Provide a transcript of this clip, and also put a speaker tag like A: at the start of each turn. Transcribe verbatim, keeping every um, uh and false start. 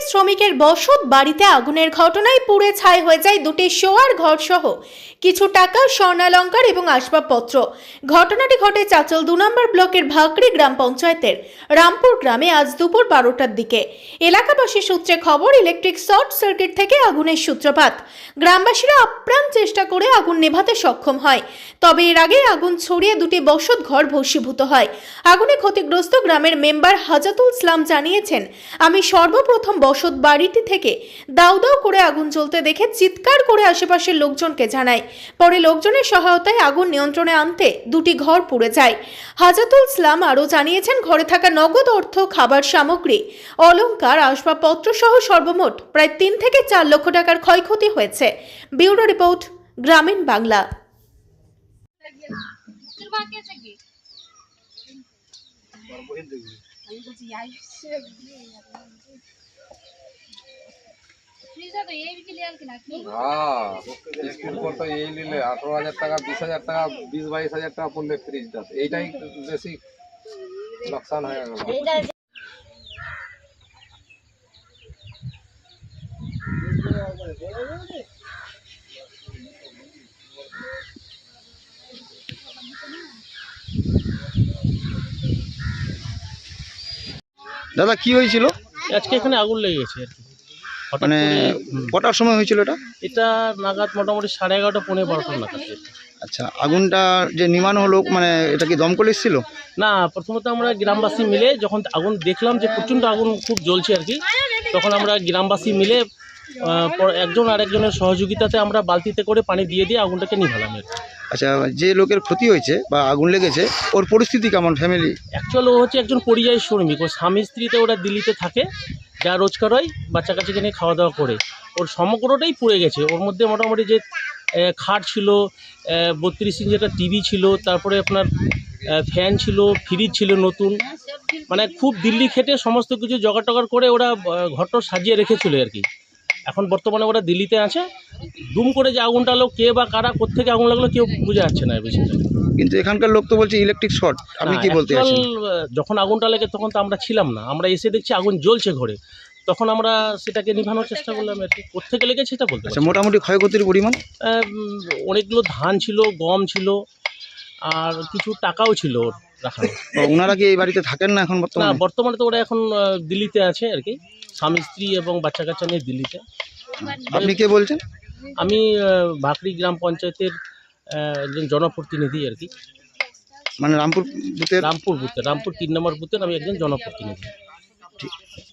A: শ্রমিকের বসত বাড়িতে আগুনের ঘটনায় পুড়ে ছাই হয়ে যায় দুটি শোয়ার ঘর সহ কিছু টাকা, স্বর্ণালংকার এবং আসবাবপত্র। ঘটনাটি ঘটে চাঁচল দু নম্বর ব্লকের ভাকড়ি গ্রাম পঞ্চায়েতের রামপুর গ্রামে আজ দুপুর বারোটার দিকে। এলাকাবাসী সূত্রে খবর, ইলেকট্রিক শর্ট সার্কিট থেকে আগুনের সূত্রপাত। গ্রামবাসীরা আপ্রাণ চেষ্টা করে আগুন নেভাতে সক্ষম হয়, তবে এর আগে আগুন ছড়িয়ে দুটি বসত ঘর ভস্মীভূত হয়। আগুনে ক্ষতিগ্রস্ত গ্রামের মেম্বার হাজাতুল ইসলাম জানিয়েছেন, আমি সর্বপ্রথম বসত বাড়িটি থেকে দাউ দাউ করে আগুন জ্বলতে দেখে চিৎকার করে আশেপাশের লোকজনকে জানাই। পরে লোকজনের সহায়তায় আগুন নিয়ন্ত্রণে আনতে দুটি ঘর পুড়ে যায়। হাজাতুল ইসলাম আরও জানিয়েছেন, ঘরে থাকা নগদ অর্থ, খাবার সামগ্রী, অলংকার, আসবাবপত্র সহ সর্বমোট প্রায় তিন থেকে চার লক্ষ টাকার ক্ষয়ক্ষতি হয়েছে। ব্যুরো রিপোর্ট, গ্রামীণ বাংলা।
B: আঠারো হাজার টাকা, বিশ হাজার টাকা, বিশ বাইশ হাজার টাকা পড়লে ফ্রিজটা, এইটাই বেশি লোকসান হয়ে গেল।
C: দাদা কি হয়েছিল
D: আজকে? এখানে আগুন লেগে গেছে আর কি। হঠাৎ
C: মানে
D: করে-
C: কটার সময় হয়েছিল এটা?
D: এটা নাগাদ মোটামুটি সাড়ে এগারোটা পৌনে বারোটার নাগাদ।
C: আচ্ছা, আগুনটা যে নিমানো হলো, মানে এটা কি দমকল এসেছিল?
D: না, প্রথমত আমরা গ্রামবাসী মিলে যখন আগুন দেখলাম যে প্রচণ্ড আগুন খুব জ্বলছে আর কি, তখন আমরা গ্রামবাসী মিলে আহ, পর- একজন আর একজনের সহযোগিতাতে আমরা বালতিতে করে পানি দিয়ে দিয়ে আগুনটাকে নিভালাম আর কি।
C: আচ্ছা, যে লোকের ক্ষতি হয়েছে বা আগুন লেগেছে ওর পরিস্থিতি কেমন, ফ্যামিলি?
D: অ্যাকচুয়াল ও হচ্ছে একজন পরিযায়ী শ্রমিক। ওর স্বামী স্ত্রীতে ওরা দিল্লিতে থাকে, যা রোজগার হয় বাচ্চা কাচ্চাকে নিয়ে খাওয়া দাওয়া করে। ওর সমগ্রটাই পুড়ে গেছে। ওর মধ্যে মোটামুটি যে আহ, খাট ছিল, বত্রিশ ইঞ্চি একটা টিভি ছিল, তারপরে আপনার আহ, ফ্যান ছিল, ফ্রিজ ছিল নতুন, মানে খুব দিল্লি খেটে সমস্ত কিছু জোগাড় টগাড় করে ওরা আহ, ঘরটা সাজিয়ে রেখেছিল আর কি। এখন বর্তমানে ওরা দিল্লিতে আছে। দুম করে যে আগুনটা হলো, কে বা কারা কোত্থেকে আগুন লাগলো কেউ বোঝা যাচ্ছে না বিষয়টা।
C: কিন্তু এখানকার লোক তো বলছে ইলেকট্রিক শর্ট, আপনি
D: না,
C: কি বলতে
D: actual,
C: চাচ্ছেন?
D: আহ, যখন আগুনটা লেগে তখন তো আমরা ছিলাম না, আমরা এসে দেখছি আগুন জ্বলছে ঘরে, তখন আমরা সেটাকে নিভানোর চেষ্টা করলাম আর কি। কোত্থেকে লেগেছে সেটা বলতে
C: আচ্ছা,
D: পারছি না।
C: মোটামুটি ক্ষয়ক্ষতির পরিমাণ?
D: আহ, উম, অনেকগুলো ধান ছিল, গম ছিল, আর কিছু টাকাও ছিল ওর রাখানো।
C: ও, ওনারা কি এই বাড়িতে থাকেন না এখন
D: না,
C: বর্তমানে?
D: বর্তমানে তো ওরা এখন আহ, দিল্লিতে আছে আর কি, স্বামী স্ত্রী এবং বাচ্চা কাচ্চা নিয়ে দিল্লিতে।
C: আপনি কে বলছেন?
D: আমি আহ, ভাকড়ি গ্রাম পঞ্চায়েতের আহ, একজন জনপ্রতিনিধি আর কি।
C: মানে রামপুর বুথের?
D: রামপুর বুথের, রামপুর তিন নম্বর বুথের আমি একজন জনপ্রতিনিধি।